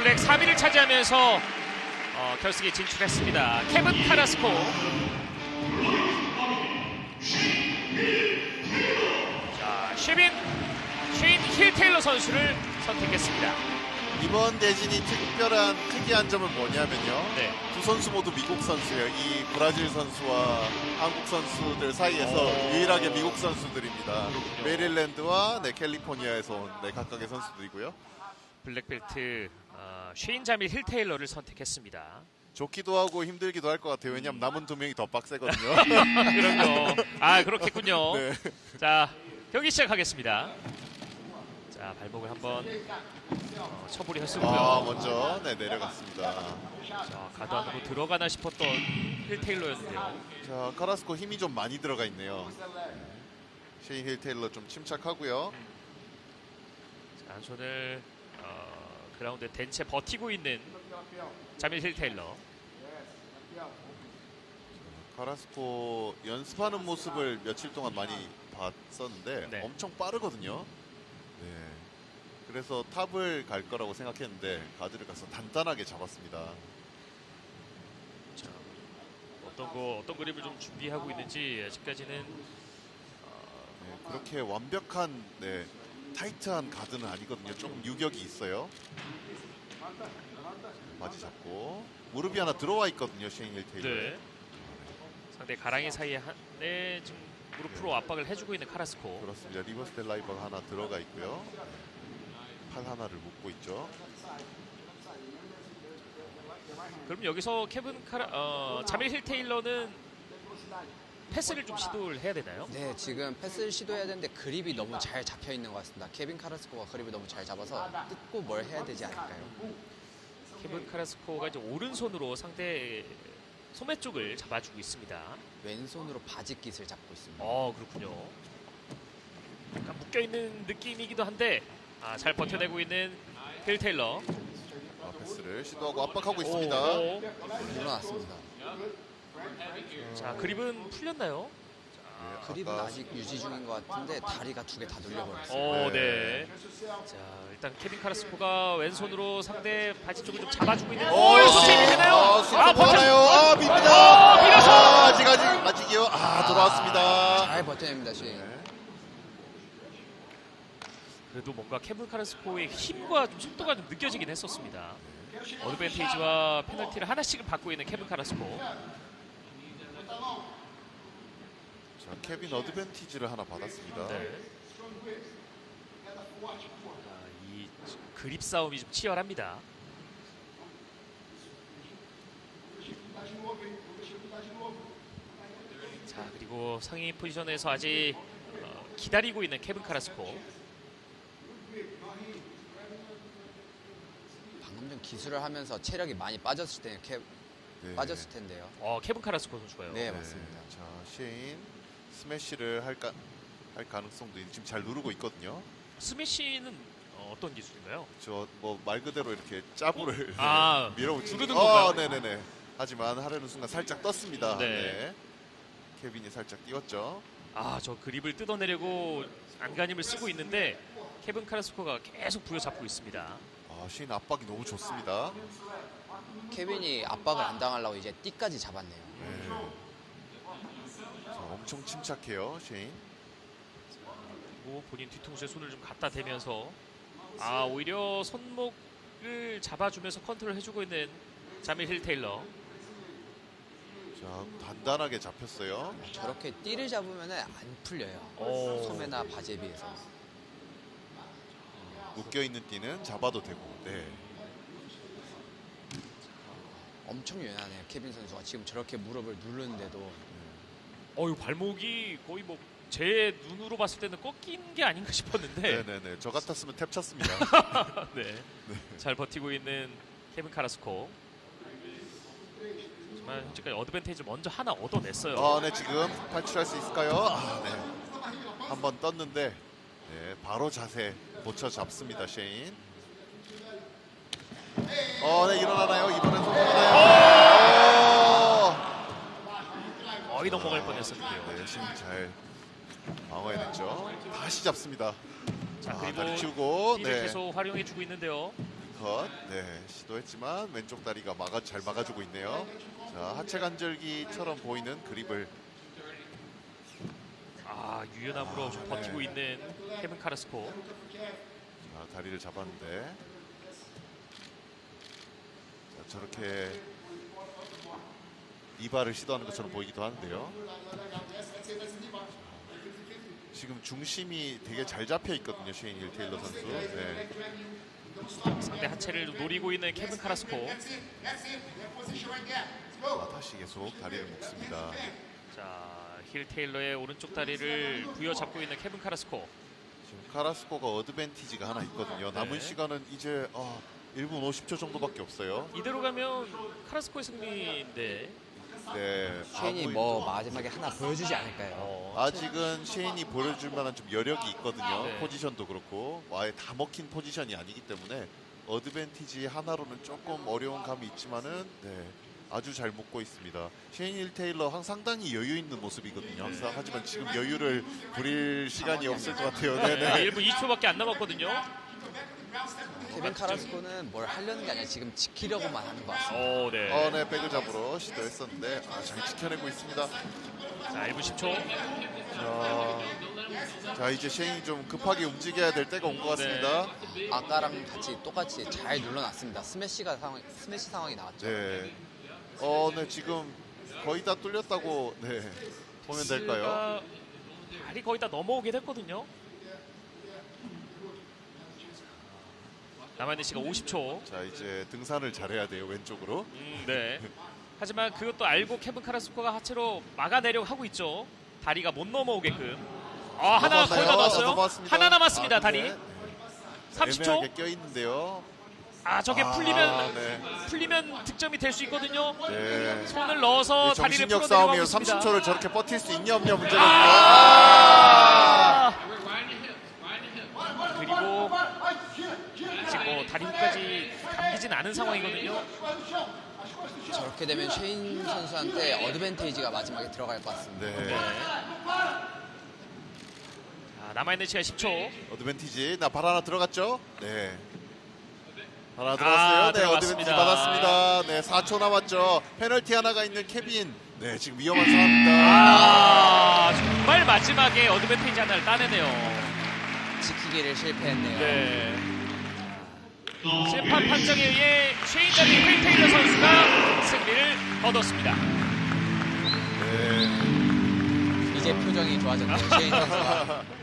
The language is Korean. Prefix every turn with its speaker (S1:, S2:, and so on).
S1: 블랙 3위를 차지하면서 결승에 진출했습니다. 케빈 카라스코. 자, 쉐인 힐 테일러 선수를 선택했습니다.
S2: 이번 대진이 특이한 점은 뭐냐면요.
S1: 네.
S2: 두 선수 모두 미국 선수예요. 이 브라질 선수와 한국 선수들 사이에서 유일하게 미국 선수들입니다. 메릴랜드와 캘리포니아에서 온 각각의 선수들이고요.
S1: 블랙벨트 쉐인 자밀 힐 테일러를 선택했습니다.
S2: 좋기도 하고 힘들기도 할 것 같아요. 왜냐하면 남은 두 명이 더 빡세거든요.
S1: 그럼요. 그렇겠군요.
S2: 네.
S1: 자, 경기 시작하겠습니다. 자, 발목을 한번 처벌이 했었고요.
S2: 먼저 내려갔습니다.
S1: 자, 가드 안으로 들어가나 싶었던 힐 테일러였는데요.
S2: 자, 카라스코 힘이 좀 많이 들어가 있네요. 쉐인 힐 테일러 좀 침착하고요.
S1: 자, 한 손을 그라운드에 댄 채 버티고 있는 자밀 힐 테일러.
S2: 카라스코 연습하는 모습을 며칠 동안 많이 봤었는데
S1: 네.
S2: 엄청 빠르거든요. 네. 그래서 탑을 갈 거라고 생각했는데 가드를 가서 단단하게 잡았습니다.
S1: 자, 어떤 그립을 좀 준비하고 있는지 아직까지는
S2: 네, 그렇게 완벽한 타이트한 가드는 아니거든요. 조금 유격이 있어요. 바지 잡고 무릎이 하나 들어와 있거든요. 쉐인 힐 테일러.
S1: 네. 상대 가랑이 사이에 지금 무릎으로 압박을 해주고 있는 카라스코.
S2: 그렇습니다. 리버스 델라이버가 하나 들어가 있고요. 팔 하나를 묶고 있죠.
S1: 그럼 여기서 자밀 힐 테일러는 패스를 좀 시도를 해야 되나요?
S3: 네, 지금 패스를 시도해야 되는데 그립이 너무 잘 잡혀 있는 것 같습니다. 케빈 카라스코가 그립을 너무 잘 잡아서 뜯고 뭘 해야 되지 않을까요?
S1: 케빈 카라스코가 이제 오른손으로 상대 소매 쪽을 잡아주고 있습니다.
S3: 왼손으로 바지 깃을 잡고 있습니다.
S1: 그렇군요. 약간 묶여있는 느낌이기도 한데 잘 버텨내고 있는 힐 테일러.
S2: 패스를 시도하고 압박하고 있습니다.
S3: 물러났습니다.
S1: 자, 그립은 풀렸나요?
S3: 그립은 아직 유지 중인 것 같은데 다리가 두 개 다 눌려버렸어요.
S1: 네. 자, 일단 케빈 카라스코가 왼손으로 상대 바지 쪽을 좀 잡아주고 있는.
S2: 여기서
S1: 스윙이 되나요?
S2: 버텨나요? 밉니다.
S1: 밀어서!
S2: 아직이요. 돌아왔습니다.
S3: 잘 버텨냅니다, 쉐인.
S1: 그래도 뭔가 케빈 카라스코의 힘과 좀 속도가 좀 느껴지긴 했었습니다. 어드밴티지와 페널티를 하나씩을 받고 있는 케빈 카라스코.
S2: 자, 케빈 어드밴티지를 하나 받았습니다.
S1: 네. 이 그립 싸움이 좀 치열합니다. 자, 그리고 상위 포지션에서 아직 기다리고 있는 케빈 카라스코.
S3: 방금 전 기술을 하면서 체력이 많이 빠졌을 때 빠졌을 텐데요.
S1: 케빈 카라스코 선수가요.
S3: 네, 맞습니다.
S2: 자, 쉐인 스매시를 할 가능성도 지금 잘 누르고 있거든요.
S1: 스매시는 어떤 기술인가요?
S2: 저 말 그대로 이렇게 짜부를 밀어붙이는.
S1: 누르는 건가요?
S2: 네네네. 하지만 하려는 순간 살짝 떴습니다.
S1: 네.
S2: 케빈이 살짝 띄웠죠.
S1: 저 그립을 뜯어내려고 안간힘을 쓰고 있는데 케빈 카라스코가 계속 부여잡고 있습니다.
S2: 쉐인 압박이 너무 좋습니다.
S3: 케빈이 압박을 안 당하려고 이제 띠까지 잡았네요.
S2: 네. 자, 엄청 침착해요, 쉐인.
S1: 그리고 본인 뒤통수에 손을 좀 갖다 대면서 오히려 손목을 잡아주면서 컨트롤 해주고 있는 자밀 힐 테일러.
S2: 자, 단단하게 잡혔어요.
S3: 저렇게 띠를 잡으면 안 풀려요. 소매나 바지에 비해서.
S2: 묶여있는 띠는 잡아도 되고. 네.
S3: 엄청 유연하네요. 케빈 선수가 지금 저렇게 무릎을 누르는데도.
S1: 이 발목이 거의 제 눈으로 봤을 때는 꺾인 게 아닌가 싶었는데.
S2: 네네네. 저 같았으면 탭 쳤습니다.
S1: 네. 잘 버티고 있는 케빈 카라스코. 하지만 현재까지 어드밴티지 먼저 하나 얻어냈어요.
S2: 네, 지금 탈출할 수 있을까요? 네. 한번 떴는데 바로 자세 고쳐 잡습니다, 쉐인. 네, 일어나나요? 이번엔 성공하나요?
S1: 거의 넘어갈 뻔했었는데요.
S2: 네, 쉐인 잘 방어해냈죠. 다시 잡습니다.
S1: 자,
S2: 다리
S1: 그리고
S2: 치우고.
S1: 띠를 계속 활용해주고 있는데요.
S2: 어퍼컷 시도했지만 왼쪽 다리가 잘 막아주고 있네요. 자, 하체 관절기처럼 보이는 그립을
S1: 유연함으로 좀 버티고
S2: 네.
S1: 있는 케빈 카라스코.
S2: 자, 다리를 잡았는데 자, 저렇게 이발을 시도하는 것처럼 보이기도 하는데요. 지금 중심이 되게 잘 잡혀 있거든요, 쉐인 힐 테일러 선수. 네.
S1: 상대 하체를 노리고 있는 케빈 카라스코.
S2: 다시 계속 다리를 묶습니다.
S1: 자, 힐 테일러의 오른쪽 다리를 부여잡고 있는 케빈 카라스코.
S2: 지금 카라스코가 어드밴티지가 하나 있거든요. 남은
S1: 네.
S2: 시간은 이제 1분 50초 정도밖에 없어요.
S1: 이대로 가면 카라스코의 승리인데.
S2: 네,
S3: 쉐인이 뭐 마지막에 하나 보여주지 않을까요?
S2: 아직은 쉐인이 보여줄 만한 좀 여력이 있거든요.
S1: 네.
S2: 포지션도 그렇고 아예 다 먹힌 포지션이 아니기 때문에 어드밴티지 하나로는 조금 어려운 감이 있지만은 아주 잘 묶고 있습니다. 쉐인 힐 테일러 상당히 여유 있는 모습이거든요. 항상. 하지만 지금 여유를 부릴 시간이 없을 것 같아요. 네네.
S1: 1분 20초밖에 안 남았거든요.
S3: 케빈 카라스코는 뭘 하려는 게 아니라 지금 지키려고만 하는 것 같습니다.
S1: 네.
S2: 네, 백을 잡으러 시도했었는데 잘 지켜내고 있습니다.
S1: 자, 1분 10초.
S2: 자, 이제 쉐인이 좀 급하게 움직여야 될 때가 온 것 같습니다.
S3: 아까랑 똑같이 잘 눌러놨습니다. 스매시 상황이 나왔죠.
S2: 네. 네, 지금 거의 다 뚫렸다고 보면 될까요?
S1: 발이 거의 다 넘어오게 됐거든요. 남아있는 시간 50초.
S2: 자, 이제 등산을 잘해야 돼요, 왼쪽으로.
S1: 네. 하지만 그것도 알고 케빈 카라스코가 하체로 막아내려고 하고 있죠. 다리가 못 넘어오게끔. 하나 거의 다 넣었어요.
S2: 넘어왔습니다.
S1: 하나 남았습니다.
S2: 근데
S1: 다리. 30초.
S2: 애매하게 껴있는데요.
S1: 저게
S2: 네.
S1: 풀리면 득점이 될 수 있거든요.
S2: 네.
S1: 손을 넣어서 다리를
S2: 정신력
S1: 풀어내려고
S2: 싸움이요.
S1: 있습니다.
S2: 30초를 저렇게 버틸 수 있냐 없냐 문제가
S1: 그리고 아직 뭐 다리 후까지 감기진 않은 상황이거든요.
S3: 저렇게 되면 쉐인 선수한테 어드밴테이지가 마지막에 들어갈 것 같습니다.
S2: 네.
S1: 자, 남아있는 시간 10초.
S2: 어드밴티지. 발 하나 들어갔죠? 네. 하나 들어갔어요. 네,
S1: 들어갔습니다.
S2: 어드밴티지 받았습니다. 네, 4초 남았죠. 페널티 하나가 있는 케빈. 네, 지금 위험한 상황입니다.
S1: 정말 마지막에 어드밴테이지 하나를 따내네요.
S3: 지키기를 실패했네요.
S1: 네. 심판 판정에 의해 쉐인 자리 힐 테일러 선수가 승리를 얻었습니다.
S2: 네.
S3: 이제 표정이 좋아졌네요. 쉐인 선수가.